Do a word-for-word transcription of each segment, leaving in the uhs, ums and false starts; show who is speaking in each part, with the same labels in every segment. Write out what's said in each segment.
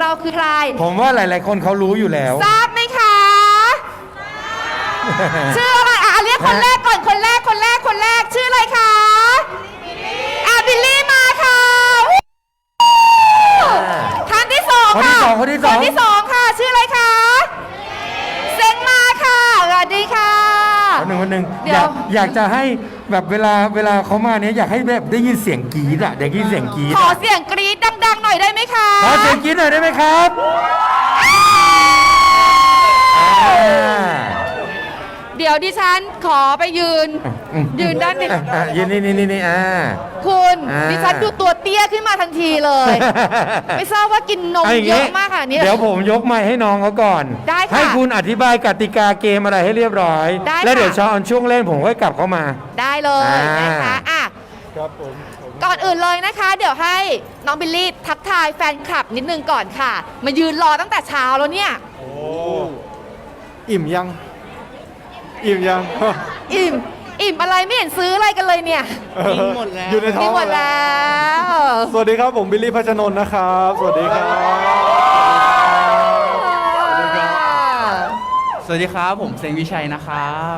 Speaker 1: เราคือใคร
Speaker 2: ผมว่าหลายๆคนเขารู้อยู่แล้ว
Speaker 1: ทราบไหมคะชื่ออะไรอ่ะเรียกคนแรกก่อนคนแรกคนแรกคนแรกชื่ออะไรคะอ่ะบิลลี่มาค่ะท่านที่สองค่ะ
Speaker 2: คนที่สองคนที่สอง
Speaker 1: คนที่สองค่ะชื่ออะไรคะเซงมาค่ะสวัสดีค่ะ
Speaker 2: คนหนึ่งคนหนึ่งอยากอยากจะให้แบบเวลาเวลาเขามาเนี้ยอยากให้แบบได้ยินเสียงกรี๊ดอ่ะได้ยินเสียงกรี๊ด
Speaker 1: ขอเสียงกรี๊ดดังๆหน่อยได้ไหมคะ
Speaker 2: ขอเสียงกรี๊ดหน่อยได้ไหมครับ
Speaker 1: เดี๋ยวดิฉันขอไปยืนยืนด้านนี้
Speaker 2: ยืนนี่นี่นี่อ่า
Speaker 1: คุณดิฉันดูตัวเตี้ยขึ้นมาทันทีเลยไม่ทราบว่ากินนมเยอะมากค่ะเนี่ย
Speaker 2: เดี๋ยวผมยกไมค์ให้น้องเขาก่อน
Speaker 1: ได้ค่ะ
Speaker 2: ให้คุณอธิบายกติกาเกมอะไรให้เรียบร้อยแล้วเดี๋ยวช้อนช่วงเล่นผมค่อยกลับเข้ามา
Speaker 1: ได้เลยนะคะอ่ะ
Speaker 2: ครับผม
Speaker 1: ก่อนอื่นเลยนะคะ เดี๋ยวให้น้องบิลลี่ทักทายแฟนคลับนิดนึงก่อนค่ะมายืนรอตั้งแต่เช้าแล้วเนี่ย
Speaker 2: โอ้อิ่มยังอิ่มยัง
Speaker 1: อิ่มอิ่มอะไรไม่เห็นซื้ออะไรกันเลยเนี่ย
Speaker 3: กินหมดแล้ว
Speaker 2: อยู่ในท้อง
Speaker 1: หมดแล้ว
Speaker 2: สวัสดีครับผมบิลลี่พัชนนท์นะครับสวัสดีครับ
Speaker 3: สวัสดีครับผมเซงวิชัยนะครับ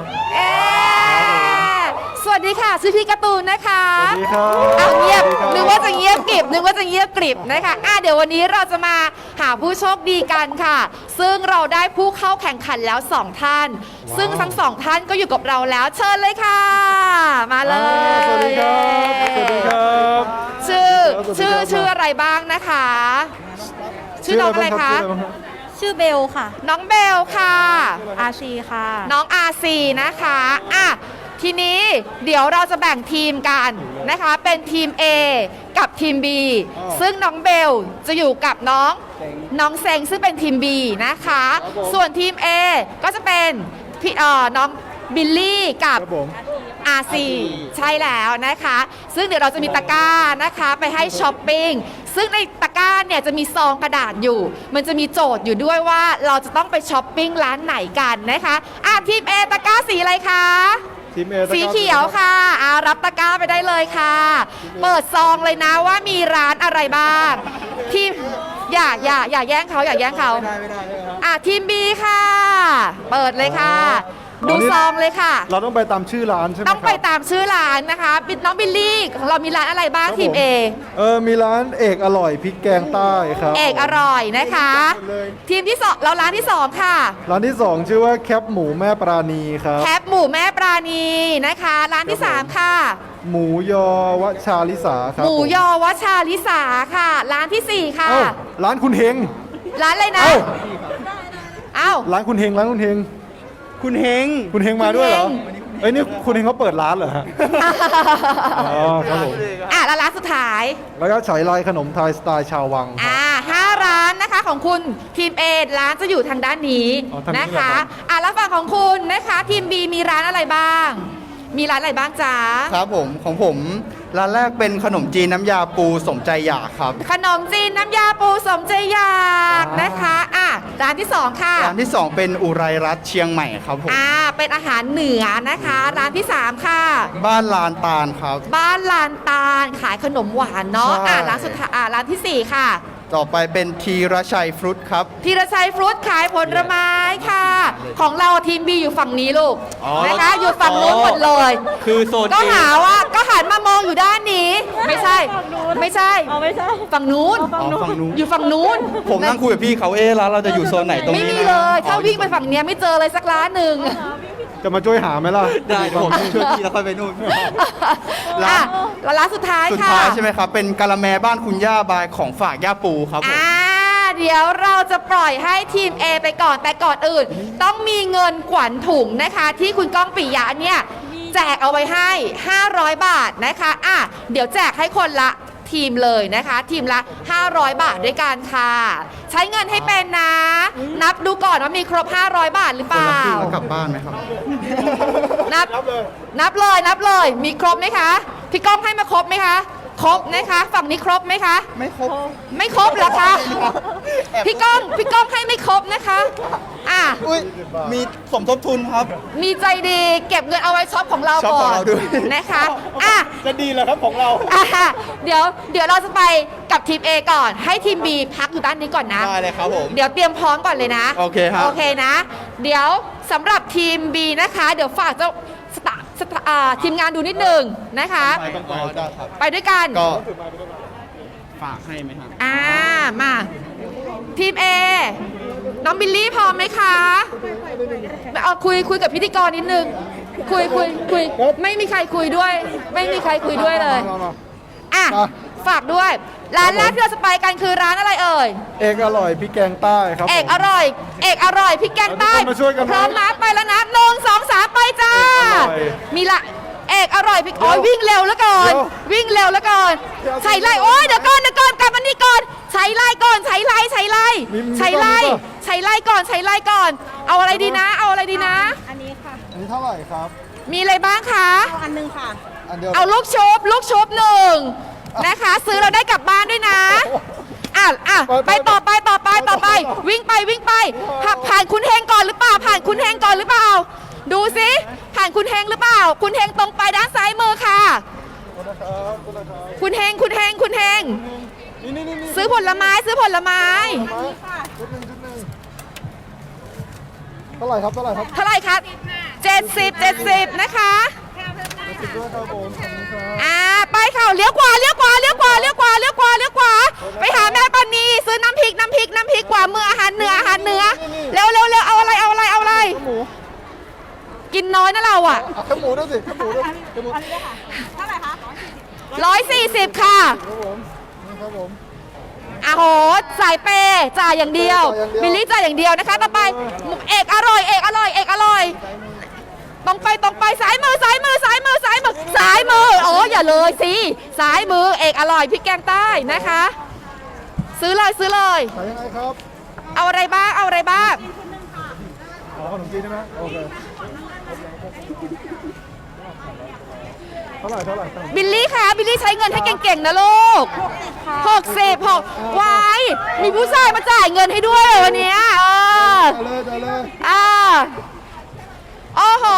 Speaker 1: สวัสดีค่ะชื่อพี่การ์ตูนนะคะ
Speaker 2: สวัสดีครับ
Speaker 1: เอาเงียบนึกว่าจะเงียบกริบนึกว่าจะเงียบกริบนะคะอ่ะเดี๋ยววันนี้เราจะมาหาผู้โชคดีกันค่ะซึ่งเราได้ผู้เข้าแข่งขันแล้วสองท่านซึ่งทั้งสองท่านก็อยู่กับเราแล้วเชิญเลยค่ะมาเลย
Speaker 2: สวัสดีครับสวัสดีครับ
Speaker 1: ชื่อชื่อชื่ออะไรบ้างนะคะชื่อน้องอะไรคะ
Speaker 4: ชื่อเบลค่ะ
Speaker 1: น้องเบลค่ะ
Speaker 4: อาชีค่ะ
Speaker 1: น้องอาซีนะคะอ่ะทีนี้เดี๋ยวเราจะแบ่งทีมกันนะคะเป็นทีม A กับทีม B ซึ่งน้องเบลจะอยู่กับน้องน้องเซงซึ่งเป็นทีม B นะคะส่วนทีม A ก็จะเป็นพี่เอ่อน้องบิลลี่กับอาซีใช่แล้วนะคะซึ่งเดี๋ยวเราจะมีตะกร้านะคะไปให้ช้อปปิ้งซึ่งในตะกร้าเนี่ยจะมีซองกระดาษอยู่มันจะมีโจทย์อยู่ด้วยว่าเราจะต้องไปช้อปปิ้งร้านไหนกันนะคะอ่ะทีม A ตะกร้าสีอะไรคะสีเขียวค่ะอารับตะกร้าไปได้เลยค่ะเปิดซองเลยนะว่ามีร้านอะไรบ้างทีมอย่าอย่าอย่าแย่งเขาอย่าแย่งเขาอ่ะทีม B ค่ะเปิดเลยค่ะดูซองเลยค่ะ
Speaker 2: เราต้องไปตามชื่อร้านใช่ไหม
Speaker 1: ต้องไปตามชื่อร้านนะคะน้องบิลลี่ของเรามีร้านอะไรบ้างทีม A
Speaker 2: เออมีร้านเอกอร่อยพริกแกงใต้ครับ
Speaker 1: เอกอร่อยนะคะทีมที่สองเราร้านที่สองค่ะ
Speaker 2: ร้านที่สองชื่อว่าแคปหมูแม่ปราณีครับ
Speaker 1: แคปหมูแม่ปราณีนะคะร้านที่สามค่ะ
Speaker 2: หมูยอวชาลิสาครับ
Speaker 1: หมูยอวชาลิสาค่ะร้านที่สี่ค่ะ
Speaker 2: ร้านคุณเฮง
Speaker 1: ร้านอะไรนะเอ้า
Speaker 2: ร้านคุณเฮงร้านคุณเฮง
Speaker 3: คุณเฮง
Speaker 2: คุณเฮงมาด้วยเหรอเอ้ยนี่คุณเฮงเขาเปิดร้านเหรอฮะอ๋อครับผม
Speaker 1: อ่ะแล้วร้านสุดท้าย
Speaker 2: แล้วก็ฉายลายขนมไทยสไตล์ชาววัง
Speaker 1: อ่าห้าร้านนะคะของคุณทีม A ร้านจะอยู่ทางด้านนี้นะคะอ่ะแล้วฝั่งของคุณนะคะทีม B มีร้านอะไรบ้างมีร้านอะไรบ้างจ๊ะ
Speaker 3: ครับผมของผมร้านแรกเป็นขนมจีนน้ำยาปูสมใจอยากครับ
Speaker 1: ขนมจีนน้ำยาปูสมใจอยากนะคะอ่ะร้านที่สองค่ะ
Speaker 3: ร้านที่สองเป็นอุไรรัตน์เชียงใหม่ครับผม
Speaker 1: อ่าเป็นอาหารเหนือนะคะร้านที่สามค่ะ
Speaker 3: บ้านลานตาลครับ
Speaker 1: บ้านลานตาลขายขนมหวานเนาะอ่ะร้านสุดท้ายอ่ะร้านที่สี่ค่ะ
Speaker 3: ต่อไปเป็นทีรชัยฟรุตครับ
Speaker 1: ทีรชัยฟรุตขายผลไม้ค่ะของเราทีม B อยู่ฝั่งนี้ลูกนะคะอยู่ฝั่งนู้นหมดเลย
Speaker 3: คือโซน
Speaker 1: ก็หาว่าก็หันมามองอยู่ด้านนี้ไม่ใช่ไม่ใช่ฝั่งนู้นอยู่ฝั่งนู้น
Speaker 3: ผมนั่งคุยกับพี่เขาเอ๊ะร้านเราจะอยู่โซนไหนตรงนี้
Speaker 1: ไม่มีเลยถ้าวิ่งไปฝั่งนี้ไม่เจอเลยสักร้านหนึ่ง
Speaker 2: จะมาช่วยหาไหมล่ะ
Speaker 3: ได้ผมช่วยพี่แล้วค่อยไปนู่น
Speaker 1: ร้านร้านสุดท้ายค่ะ
Speaker 3: สุดท้ายใช่ไหมครับเป็นกะละแมบ้านคุณย่าบายของฝากย่าปูครับผม
Speaker 1: อ่าเดี๋ยวเราจะปล่อยให้ทีม A ไปก่อนแต่ก่อนอื่นต้องมีเงินขวัญถุงนะคะที่คุณก้องปิยะเนี่ยแจกเอาไว้ให้ห้าร้อยบาทนะคะอ่ะเดี๋ยวแจกให้คนละทีมเลยนะคะทีมละห้าร้อยบาทด้วยกันค่ะใช้เงินให้เป็นนะนับดูก่อนว่ามีครบห้าร้อยบาทหรือเปล่า
Speaker 3: แล้วกลับบ้านไหมครับ
Speaker 1: นับนับเลยนับเลยมีครบไหมคะพี่ก้องให้มาครบไหมคะครบนะคะฝั่งนี้ครบไหมคะ
Speaker 3: ไม่ครบ
Speaker 1: ไม่ครบเหรอคะพี่ก้องพี่ก้องให้ไม่ครบนะคะอ่ะ
Speaker 3: อุ้ยมีสมทบทุนครับ
Speaker 1: มีใจดีเก็บเงินเอาไว้ช็อปของเรา
Speaker 3: ช็อป
Speaker 1: ก่
Speaker 3: ข
Speaker 1: อ
Speaker 3: อง
Speaker 1: น
Speaker 3: เราด้วย
Speaker 1: นะคะอ่ะ
Speaker 3: จะดีเหรอครับของเรา
Speaker 1: อ่ะเดี๋ยวเดี๋ยวเราจะไปกับทีม A ก่อนให้ทีม B พักอยู่ด้านนี้ก่อนนะ
Speaker 3: ได้เลยครับผม
Speaker 1: เดี๋ยวเตรียมพร้อมก่อนเลยนะ
Speaker 3: โอเคครับ
Speaker 1: โอเคนะ เดี๋ยวสำหรับทีม B นะคะ เดี๋ยวฝากเจ้าสตาสตาอ่าทีมงานดูนิดนึงนะคะ
Speaker 3: ไปต้องไปได้ครับ
Speaker 1: ไปด้วยกัน
Speaker 3: ก็ฝากให้ไหมครับ
Speaker 1: อ่ามาทีม A น้องบิลลี่พร้อมไหมคะเอาคุยคุยกับพิธีกรนิดนึง คุยคุยคุยไม่มีใครคุยด้วย ไม่มีใครคุยด้วยเลยอ่ะฝากด้วย ร้านแรกที่เราจะไปกันคือร้านอะไรเอ่ย
Speaker 5: เอกอร่อยพริกแกงใต้ครับ
Speaker 1: เอกอร่อย เอกอร่อยพริกแกงใต้
Speaker 5: ทุกคนมาช่วยกันนะ
Speaker 1: พร้อมนะไปแล้วนะหนึ่งสองสามไปจ้า
Speaker 5: เอกอร่อย
Speaker 1: มีละเอกอร่อยพริกโอ้ยวิ่งเร็วแล้วก่อน
Speaker 5: เดี๋ยว
Speaker 1: วิ่งเร็วแล้วก่อน
Speaker 5: เดี๋ยว
Speaker 1: ใช้ไล่โอ้ยเดี๋ยวก่อนเดี๋ยวก่อนกลับมานี่ก่อนใช้ไล่ก่อนใช้ไล่ใช้ไล่
Speaker 5: มีมี
Speaker 1: ใช้ไล่
Speaker 5: มีป่ะ
Speaker 1: ใช้ไล่ก่อนใช้ไล่ก่อน เอาอะไรดีนะ เอาอะไรดีนะ
Speaker 4: อันนี้ค่ะ
Speaker 5: อันนี้เท่าไหร่ครับ
Speaker 1: มีอะไรบ้างคะ
Speaker 4: เอาอันหนึงค่ะ
Speaker 5: อันเดียว
Speaker 1: เอาลูกชุบลูกชุบหนึ่งนะคะ ซื้อเราได้กลับบ้านด้วยนะอ่ะอ่ะไปต่อไปต่อไปต่อไป วิ่งไปวิ่งไปผ่าผ่านคุณเฮงก่อนหรือเปล่า ผ่านคุณเฮงก่อนหรือเปล่า ดูสิผ่านคุณเฮงหรือเปล่า คุณเฮงตรงไปด้านซ้ายมือค่ะ
Speaker 5: นะครับคุณนะครับ
Speaker 1: คุณเฮงคุณเฮงคุณเฮง
Speaker 5: นี่นี่นี่นี่
Speaker 1: ซื้อผลไม้ซื้อผลไม้
Speaker 5: ชุดหนึ่งชุดหนึ่งเท่าไหร่ครับเท่าไหร่ครับ
Speaker 1: เท่าไหร่คะเจ็ดสิบเจ็ดสิบนะคะ
Speaker 5: สิบด้วยครับผมขอบคุณครับ
Speaker 1: อ่าไปค่ะเลี้ยวขวาเลี้ยวขวาเลี้ยวขวาเลี้ยวขวาเลี้ยวขวาเลี้ยวขวาไปหาแม่ปานีซื้อน้ำพริกน้ำพริกน้ำพริกกว่ามืออาหารเหนืออาหารเหนือเร็วเร็วเร็วเอาอะไรเอาอะไรเอาอะไร
Speaker 5: หมู
Speaker 1: กินน้อยนะเราอ่ะ
Speaker 5: อ่ะข้าวหมูด้วยสิข้าวหมูด้วยข้าวหมู
Speaker 4: เท่าไหร่คะ
Speaker 1: ร้อยสี่สิบค่ะ
Speaker 5: ครับผมนี่ครับผม
Speaker 1: อ่ะโหสายเปย์จ่ายอย่างเดียว
Speaker 5: จ่ายอย่างเดียว
Speaker 1: บิลลี่จ่ายอย่างเดียวนะคะต่อไปเอกอร่อยเอกอร่อยเอกอร่อยตรงไปตรงไปซ้ายมือซ้ายมือซ้ายมือซ้ายมือซ้ายมือโอ้อย่าเลยสิซ้ายมือเอกอร่อยพริกแกงใต้นะคะ ซื้อเลยซื้อเลย
Speaker 5: ขายยังไงครับ
Speaker 1: เอาอะไรบ้างเอาอะไรบ้าง
Speaker 5: ขอขนมจีนได้ไหมโอเคเท่าไหร่เท่าไหร่เท่าไหร่
Speaker 1: บิลลี่คะบิลลี่ใช้เงินให้เก่งๆนะลูกหกสิบหกวายมีผู้ชายมาจ่ายเงินให้ด้วยเลยวันเนี้ยเออ
Speaker 5: เอาเลยเอาเลย
Speaker 1: อ่าโอ้โห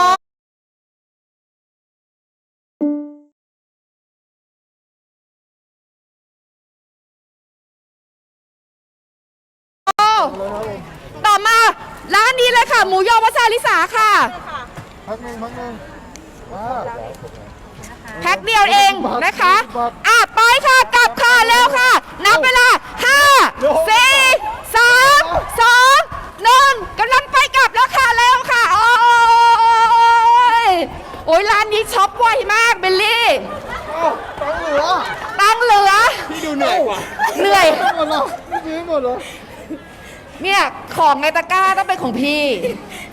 Speaker 1: ต่อมาร้านนี้เลยค่ะ หมูยอวัชาลิสาค่ะ
Speaker 5: พักหนึ่งพักหนึ่งอ่า
Speaker 1: แพ็คเดียวเองนะคะ อ่ะ ไปค่ะ กลับค่ะ เร็วค่ะ นับเวลาห้า สี่ สาม สอง หนึ่งกำลังไปกลับแล้วค่ะ เร็วค่ะ โอ้ยโอ้ยร้านนี้ช็อปไวมากเบลลี่
Speaker 5: ตังค์เหลือ
Speaker 1: ตังค์เหลือ
Speaker 3: พี่ดูเหนื่อยกว่า
Speaker 1: เหนื่อย
Speaker 5: หมดแล้วไม่ซื้อหมดเหรอ
Speaker 1: เนี่ย ของในตะกร้าต้องเป็นของพี่